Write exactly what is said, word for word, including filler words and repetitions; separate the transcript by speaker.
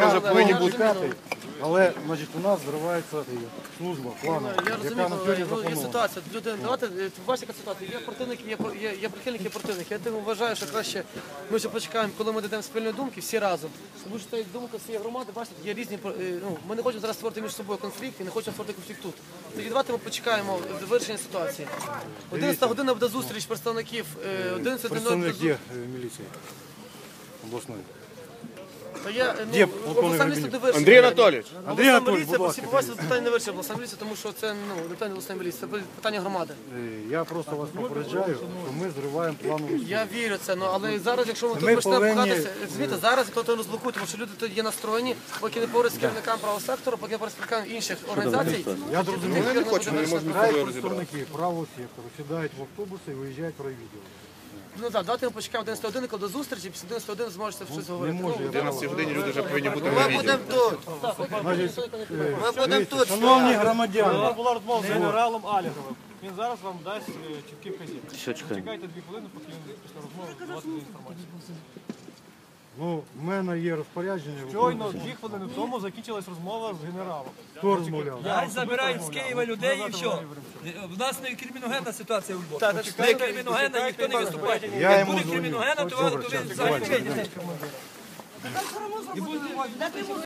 Speaker 1: ми вже повинні бути.
Speaker 2: Але, значить, у нас зривається служба, планова,
Speaker 3: Я розумію,
Speaker 2: яка на сьогодні
Speaker 3: ну, є
Speaker 2: запланована.
Speaker 3: ситуація. Люди, давайте, ви бачите, яка ситуація. Є противники, є, є, є прихильники, є противники. Я тому вважаю, що краще ми ще почекаємо, коли ми дійдемо спільної думки, всі разом. Тому що та думка всієї громади, бачите, є різні, е, ну, ми не хочемо зараз створити між собою конфлікт і не хочемо створити конфлікт тут. Тоді давайте ми почекаємо вирішення ситуації. одинадцята година буде зустріч представників, е, одинадцята
Speaker 2: Представник є е, міліції обласної.
Speaker 3: Та я,
Speaker 2: Є
Speaker 3: ну,
Speaker 2: полковник
Speaker 3: обласна міліція
Speaker 2: Гребінь.
Speaker 3: не вирішила.
Speaker 1: Андрій Анатолійович.
Speaker 2: Андрій Анатолійович,
Speaker 3: Обласна
Speaker 2: будь
Speaker 3: міліція,
Speaker 2: ласка,
Speaker 3: всі питання не вирішила обласна міліція, тому що це ну, не питання обласної міліції, це питання громади.
Speaker 2: Е, Я просто вас попереджаю, що ми зриваємо планову службу.
Speaker 3: Я вірю в це, ну, але зараз, якщо ми тут
Speaker 2: Ми
Speaker 3: почнемо
Speaker 2: повинні-
Speaker 3: пхатися, розумієте, зараз хто то розблокує, тому що люди тут є настроєні, поки не поруч з керівникам правого сектору, поки не поруч з керівниками інших організацій.
Speaker 2: Я зрозумів.
Speaker 1: Вони не хочуть, вони можуть
Speaker 2: Хай
Speaker 1: собою розібрати.
Speaker 2: представники правого сектору сідають в автобуси і виїжджають в райвідділ.
Speaker 3: Ну так, давайте ми почекаємо одинадцята години, коли до зустрічі, після одинадцятої години зможете щось
Speaker 2: Не
Speaker 3: говорити.
Speaker 2: може.
Speaker 3: Ну,
Speaker 2: я
Speaker 1: одинадцятій годині люди вже повинні бути
Speaker 4: Ми
Speaker 1: на відео.
Speaker 4: будемо тут.
Speaker 2: Значить,
Speaker 4: Ми будемо тут.
Speaker 2: шановні громадяни,
Speaker 5: Була розмова з генералом Аліговим. Він зараз вам дасть е, чіткі вказівки. Чекайте дві хвилини, поки він після розмови давати інформацію.
Speaker 2: ну, в мене є розпорядження.
Speaker 5: Щойно дві хвилини тому закінчилась розмова з генералом.
Speaker 2: Хто розмовляв?
Speaker 6: Хай забирають з Києва людей і все. В нас не криміногенна ситуація у Львові. Не криміногенна, ніхто не виступає.
Speaker 2: Я
Speaker 6: Як
Speaker 2: йому
Speaker 6: буде
Speaker 2: дзвоню.
Speaker 6: криміногенна, то ви то ви взагалі вийдете.